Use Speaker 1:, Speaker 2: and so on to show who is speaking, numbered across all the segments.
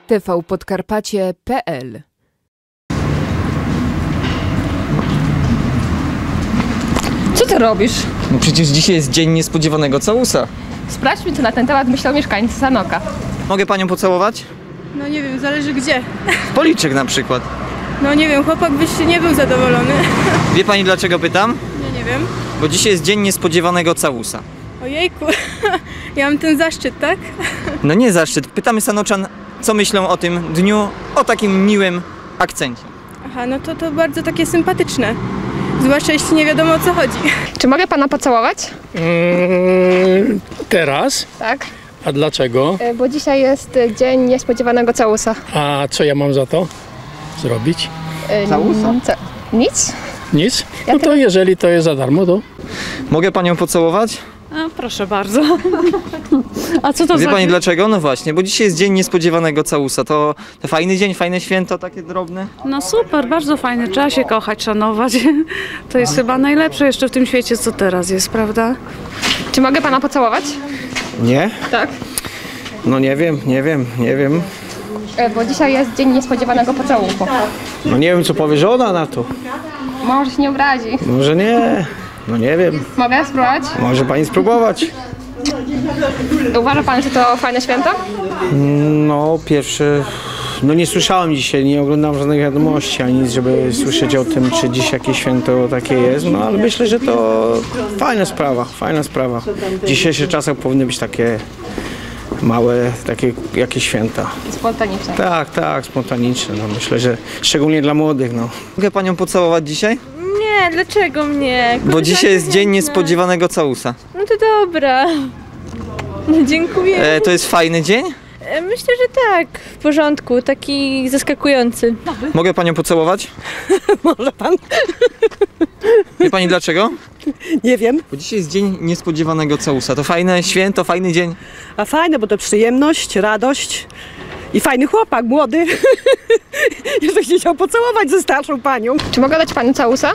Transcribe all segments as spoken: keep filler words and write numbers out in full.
Speaker 1: tvpodkarpacie kropka p l.
Speaker 2: Co ty robisz?
Speaker 3: No przecież dzisiaj jest dzień niespodziewanego całusa.
Speaker 2: Sprawdźmy, co na ten temat myślą mieszkańcy Sanoka.
Speaker 3: Mogę panią pocałować?
Speaker 4: No nie wiem, zależy gdzie.
Speaker 3: W policzek na przykład.
Speaker 4: No nie wiem, chłopak byś nie był zadowolony.
Speaker 3: Wie pani dlaczego pytam?
Speaker 4: Nie, nie wiem.
Speaker 3: Bo dzisiaj jest dzień niespodziewanego całusa.
Speaker 4: Ojejku, ja mam ten zaszczyt, tak?
Speaker 3: No nie zaszczyt. Pytamy Sanoczan, co myślą o tym dniu, o takim miłym akcencie.
Speaker 4: Aha, no to to bardzo takie sympatyczne. Zwłaszcza jeśli nie wiadomo o co chodzi.
Speaker 2: Czy mogę pana pocałować?
Speaker 5: Eee, teraz?
Speaker 2: Tak.
Speaker 5: A dlaczego?
Speaker 2: Bo dzisiaj jest dzień niespodziewanego całusa.
Speaker 5: A co ja mam za to zrobić?
Speaker 3: Całusa?
Speaker 2: Co? Nic?
Speaker 5: Nic? No to jeżeli to jest za darmo, to...
Speaker 3: Mogę panią pocałować?
Speaker 6: A, proszę bardzo. A co to
Speaker 3: Wie
Speaker 6: za
Speaker 3: pani
Speaker 6: dzień?
Speaker 3: dlaczego? No właśnie, bo dzisiaj jest dzień niespodziewanego całusa. To, to fajny dzień, fajne święto, takie drobne.
Speaker 6: No super, bardzo fajne. Trzeba się kochać, szanować. To jest chyba najlepsze jeszcze w tym świecie, co teraz jest, prawda?
Speaker 2: Czy mogę pana pocałować?
Speaker 7: Nie?
Speaker 2: Tak.
Speaker 7: No nie wiem, nie wiem, nie wiem.
Speaker 2: Bo dzisiaj jest dzień niespodziewanego pocałunku.
Speaker 7: No nie wiem, co powie żona na to.
Speaker 2: Może się nie obrazi.
Speaker 7: Może nie. No nie wiem.
Speaker 2: Mogę spróbować?
Speaker 7: Może pani spróbować.
Speaker 2: Uważa pan, że to fajne święto?
Speaker 7: No pierwszy... No nie słyszałem dzisiaj, nie oglądam żadnych wiadomości ani nic, żeby słyszeć o tym, czy dziś jakieś święto takie jest. No ale myślę, że to fajna sprawa, fajna sprawa. W dzisiejszych czasach powinny być takie małe, takie jakieś święta.
Speaker 2: Spontaniczne.
Speaker 7: Tak, tak, spontaniczne. No myślę, że szczególnie dla młodych, no.
Speaker 3: Mogę panią pocałować dzisiaj?
Speaker 4: Nie, dlaczego mnie?
Speaker 3: Bo dzisiaj jest dzień niespodziewanego całusa.
Speaker 4: No to dobra. Dziękuję.
Speaker 3: E, to jest fajny dzień?
Speaker 4: E, Myślę, że tak. W porządku, taki zaskakujący.
Speaker 3: Mogę panią pocałować?
Speaker 8: Może pan?
Speaker 3: Wie pani dlaczego?
Speaker 8: Nie wiem.
Speaker 3: Bo dzisiaj jest dzień niespodziewanego całusa. To fajne święto, fajny dzień.
Speaker 8: A fajne, bo to przyjemność, radość i fajny chłopak, młody. Jeżeli się chciał pocałować ze starszą panią.
Speaker 2: Czy mogę dać panu całusa?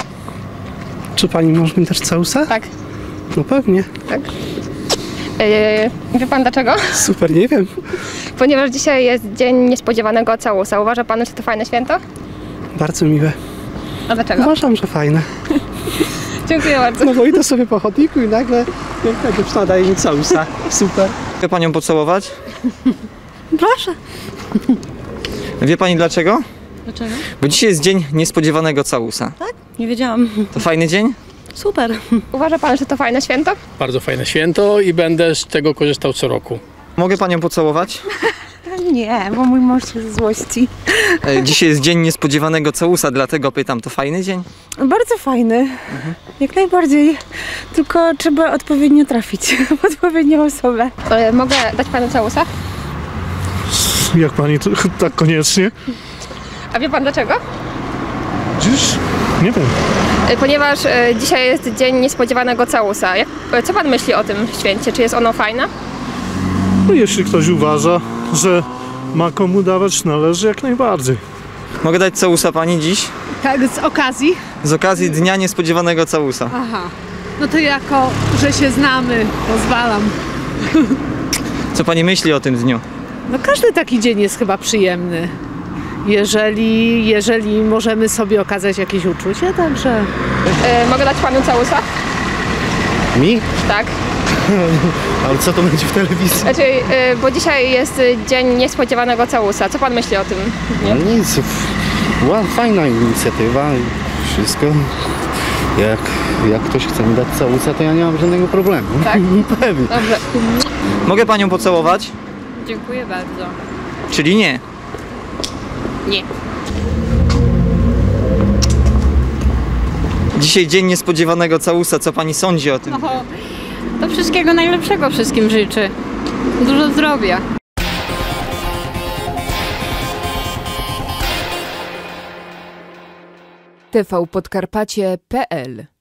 Speaker 9: Czy pani może mi dać całusa?
Speaker 2: Tak.
Speaker 9: No pewnie.
Speaker 2: Tak. Yy, wie pan dlaczego?
Speaker 9: Super, nie wiem.
Speaker 2: Ponieważ dzisiaj jest dzień niespodziewanego całusa. Uważa pan, że to fajne święto?
Speaker 9: Bardzo miłe.
Speaker 2: A dlaczego?
Speaker 9: Uważam, że fajne.
Speaker 2: Dziękuję bardzo.
Speaker 9: No bo idę sobie po chodniku i nagle piękna dziewczyna daje mi całusa. Super.
Speaker 3: Mogę panią pocałować?
Speaker 6: Proszę.
Speaker 3: Wie pani dlaczego?
Speaker 6: Dlaczego?
Speaker 3: Bo dzisiaj jest dzień niespodziewanego całusa.
Speaker 6: Nie wiedziałam.
Speaker 3: To fajny dzień?
Speaker 6: Super.
Speaker 2: Uważa pan, że to fajne święto?
Speaker 5: Bardzo fajne święto i będę z tego korzystał co roku.
Speaker 3: Mogę panią pocałować?
Speaker 6: Nie, bo mój mąż się ze złości.
Speaker 3: E, dzisiaj jest dzień niespodziewanego całusa, dlatego pytam, to fajny dzień?
Speaker 6: Bardzo fajny. Mhm. Jak najbardziej. Tylko trzeba odpowiednio trafić w odpowiednią osobę.
Speaker 2: Yy, mogę dać panu całusa?
Speaker 9: Jak pani, to, tak koniecznie?
Speaker 2: A wie pan dlaczego?
Speaker 9: Dziś? Nie wiem.
Speaker 2: Yy, ponieważ yy, dzisiaj jest dzień niespodziewanego całusa. Jak, yy, co pan myśli o tym święcie? Czy jest ono fajne?
Speaker 9: No jeśli ktoś uważa, że ma komu dawać, należy jak najbardziej.
Speaker 3: Mogę dać całusa pani dziś?
Speaker 10: Tak, z okazji?
Speaker 3: Z okazji dnia niespodziewanego całusa.
Speaker 10: Aha. No to jako, że się znamy, pozwalam.
Speaker 3: Co pani myśli o tym dniu?
Speaker 10: No każdy taki dzień jest chyba przyjemny. Jeżeli, jeżeli możemy sobie okazać jakieś uczucie, także...
Speaker 2: Yy, mogę dać panu całusa?
Speaker 9: Mi?
Speaker 2: Tak.
Speaker 9: Ale co to będzie w telewizji?
Speaker 2: Znaczy, yy, bo dzisiaj jest dzień niespodziewanego całusa. Co pan myśli o tym?
Speaker 11: No nic, była fajna inicjatywa i wszystko. Jak, jak ktoś chce mi dać całusa, to ja nie mam żadnego problemu.
Speaker 2: Tak?
Speaker 11: Pewnie.
Speaker 2: Dobrze.
Speaker 3: Mogę panią pocałować?
Speaker 6: Dziękuję bardzo.
Speaker 3: Czyli nie?
Speaker 6: Nie.
Speaker 3: Dzisiaj dzień niespodziewanego całusa, co pani sądzi o tym?
Speaker 6: Oho, to wszystkiego najlepszego wszystkim życzę. Dużo zdrowia.
Speaker 1: tvpodkarpacie kropka p l